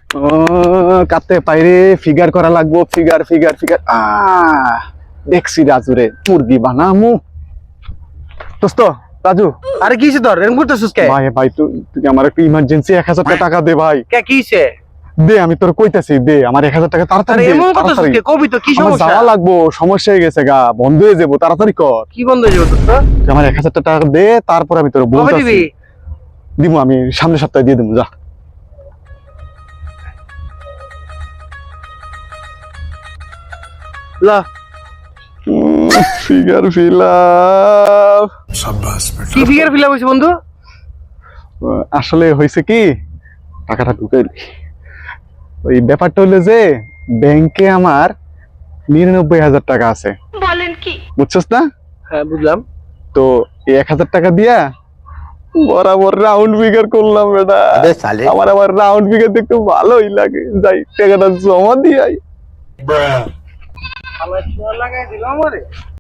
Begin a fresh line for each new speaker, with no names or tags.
কাটতে পাইরে ফিগার করা লাগবো, ফিগার ফিগার ফিগার। দেখছি রাজুরে মুরগি বানামু। দোস্ত রাজু,
আরে কিছে তোর এরকম করতেছিস কে?
ভাই ভাই তুই আমার একটু ইমার্জেন্সি 1000 টাকা দে ভাই।
কে কিছে?
দে, আমি তোর কইতাছি, দে আমার 1000 টাকা তাড়াতাড়ি
আরে
দে,
এমন করতেছিস
তাড়াতাড়ি।
কে? কবি তো কি
আমার
সমস্যা?
যাওয়া লাগবো, সমস্যা হয়ে গেছে গা, বন্ধ হয়ে যাবো, তাড়াতাড়ি কর।
কি বন্ধ হয়ে যাবে দোস্ত?
তুই আমার 1000 টাকা দে, তারপর আমি তোর
কবে
বলতাছি।
দিবি?
দিমু, আমি সামনের সপ্তাহে দিয়ে দিমু, যা।
লা
ফিগার ফিলাপ।
কি ফিগার ফিলাপ হইছে বন্ধু?
আসলে হয়েছে কি, টাকাটা ঢুকে ওই ব্যাপারটা হলো যে ব্যাংকে আমার 99,000 টাকা আছে,
বলেন কি?
বুঝছস না?
হ্যাঁ বুঝলাম।
তো এই 1000 টাকা দিয়া বরাবর রাউন্ড ফিগার করলাম বেটা। আমার আবার রাউন্ড ফিগার দেখতে ভালোই লাগে, যাই টাকাটা জমা দিয়ে আই।
আমার ছোঁয়া লাগাই দিলাম আমারে।